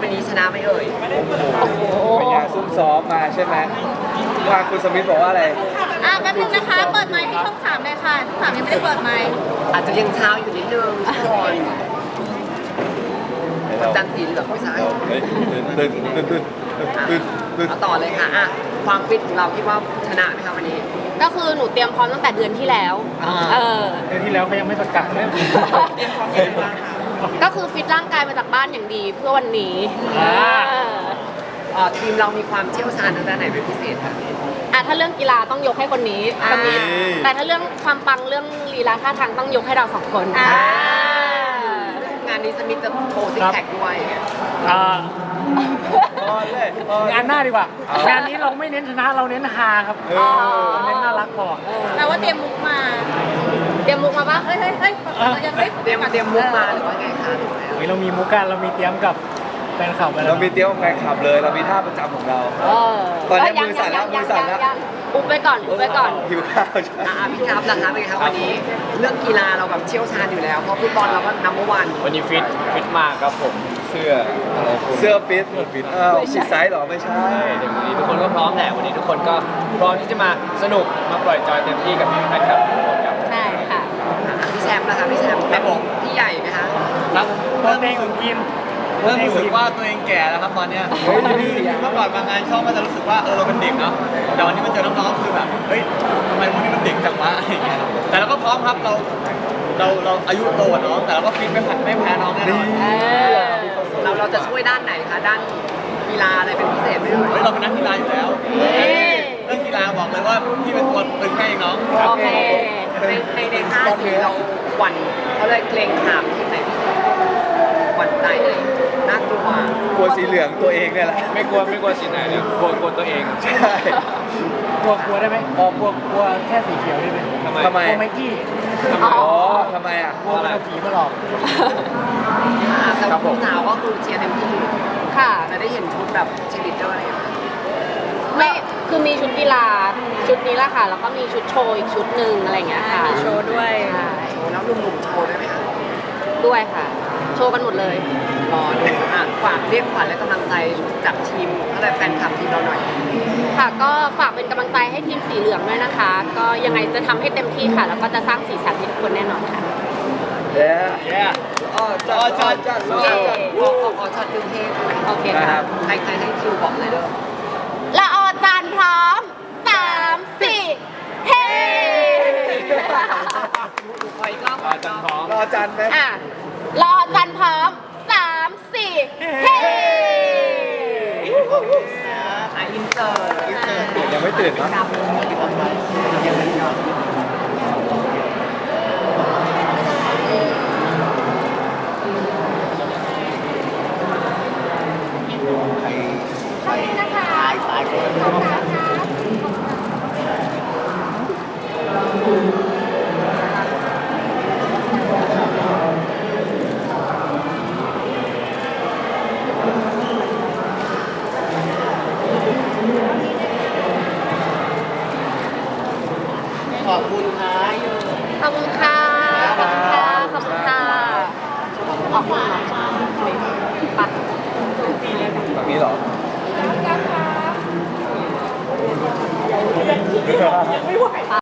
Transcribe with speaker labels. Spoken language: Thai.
Speaker 1: วันนี้ชนะไหมเอ่ย
Speaker 2: โอ้โหเป็นไงซุ่มซ้อมมาใช่ไหมว่าคุณสมิธบอกว่าอะไร
Speaker 3: แป๊บนึงนะคะเปิดไมค์ให้ช่อง3เลยค่ะช่อง3ยังไม่ได้เปิดไมค์
Speaker 1: อาจจะยังเช้าอยู่นิดนึงทุกคนจันทร์สีเหลืองไม่ใช่เอาต่อเลยค่ะอ่ะความฟิตของเราคิดว่าชนะไหมคะวันนี้
Speaker 3: ก็คือหนูเตรียมพร้อมตั้งแต่เดือนที่แล้ว
Speaker 4: เดือนที่แล้วเขายังไม่ประกาศเลย
Speaker 1: เตรียมพร้อมยังไงบ้างคะ
Speaker 3: ก็คือฟิตร่างกายมาจากบ้านอย่างดีเพื่อวันนี้
Speaker 1: ทีมเรามีความเชี่ยวชาญทางด้านไหนเป็นพิเศษคะ
Speaker 3: ถ้าเรื่องกีฬาต้องยกให้คนนี้แต่ถ้าเรื่องความปังเรื่องลีลาท่าทางต้องยกให้เรา2 คน
Speaker 1: งานนี้สมิธจะโชว์ซิกแพคด้วย
Speaker 4: งานหน้าดีกว่า งานนี้เราไม่เน้นชนะเราเน้นฮาครับเน้นน่ารักพอ
Speaker 3: แปลว่าเตรียมมุกมาปะเฮ้ย
Speaker 1: เตรียมมุกมาหรือว่าไงคะ
Speaker 4: เรามีมุกกันเรามีเตรียมกับแฟนคลับ
Speaker 2: เรามีเตรียมกับแฟนคลับเลยเรามีท่าประจำของเราตอนนี้มือสั่นแล้ว
Speaker 3: อุบไปก่อน
Speaker 2: หิวข้าวใช่
Speaker 1: พี่ครับนะคะเป็นครับวันนี้เรื่องกีฬาเราแบบเชี่ยวชาญอยู่แล้วเพราะฟุตบอลเราก็นัมเบอร์วัน
Speaker 4: วันนี้ฟิตมากครับผม
Speaker 2: เสื้อฟิตผิดไซส์หรอไม่ใช่
Speaker 4: วันนี้ทุกคนก็พร้อมแหละวันนี้ทุกคนก็พร้อมที่จะมาสนุกมาปล่อยจอยเต็มที่กับแฟนคลับทุกคนครับ
Speaker 3: ใช่ค่ะ
Speaker 1: พี่แชมป์นะคะพี่แชมป์เป็นพี่ใหญ่ไหมคะ
Speaker 4: ครับเริ่มในทีม
Speaker 5: เริ่มรู้สึกว่าตัวเองแก่แล้วครับตอนเนี้ยเมื่อก่อนมางานช่องก็จะรู้สึกว่าเราเป็นเด็กเนาะแต่วันนี้มาเจอน้องๆคือแบบเฮ้ยทำไมพวกนี้มันเด็กจังวะอะไรอย่างเงี้ยแต่เราก็พร้อมครับเราอายุโตเนาะแต่เราก็ฟิตไม่แพ้น้องแน่นอน
Speaker 1: เราจะช่วยด้านไหนคะด้านกีฬาอะไรเป็นพิเศษไหม
Speaker 5: เราเป็นนักกีฬาอยู่แล้วเรื่องกีฬาบอกเลยว่าพี่เป็นตัวตึงให้น้อง
Speaker 1: โอเคในท่าสีเราหวั่นเขาเลยเกรงขามที่ไหนที่หวั่นใจเลยน่ากลัว
Speaker 2: สีเหลืองตัวเองเนี่ยแหละ
Speaker 4: ไม่กลัวสีไหนเนี่ยกลัวตัวเอง
Speaker 2: ใช่
Speaker 4: กลัวได้ไหมกลัวแค่สีเขียวได้ไหม
Speaker 2: ทำไม
Speaker 4: กลัวไมกี้
Speaker 2: ทำไม
Speaker 4: กลัวเอาผีมาหลอก
Speaker 1: แต่ผู้สาวก็คือเชียร์เต็มที่
Speaker 3: ค่ะ
Speaker 1: จะได้เห็นชุดแบบเชียร์ลีดเดอร์อะไรอย่างเงี้ย
Speaker 3: ไม่คือมีชุดกีฬาชุดนี้แหละค่ะแล้วก็มีชุดโชว์อีกชุดหนึ่งอะไรอย่างเงี้ยค่ะ
Speaker 1: มีโชว์ด้วยโชว์แล้วหนุ่มๆโชว์ด้วยไหมคะ
Speaker 3: ด้วยค่ะโชว์กันหมดเลย
Speaker 1: รอดูฝากเรียกขวัญและกำลังใจจากทีมอะไรแฟนคลับทีมเราหน่อย
Speaker 3: ค่ะก็ฝากเป็นกำลังใจให้ทีมสีเหลืองด้วยนะคะก็ยังไงจะทำให้เต็มที่ค่ะแล้วก็จะสร้างสีสันให้ทุกคนแน่นอนค่ะ
Speaker 2: จัด
Speaker 1: ขอช็อตดึงเทป
Speaker 3: โอเคค่ะ
Speaker 1: ใครให้คิวบอกเลยเด้อ
Speaker 3: ละออจานพร้อม3 4เฮ้
Speaker 1: ขออีกรอบ
Speaker 4: จานพร้อม
Speaker 2: รอจันไหม
Speaker 3: รอจันพร้อม3 4เฮ้
Speaker 1: อินเตอร์
Speaker 2: ยังไม่ตื่นนะ
Speaker 1: ขอบคุณค่ะ
Speaker 3: ขอบคุณค่ะขอบคุณค่ะขอบคุณค่ะออกมาปัด
Speaker 2: แบบนี้เหรอ
Speaker 3: ยังไม่ไหว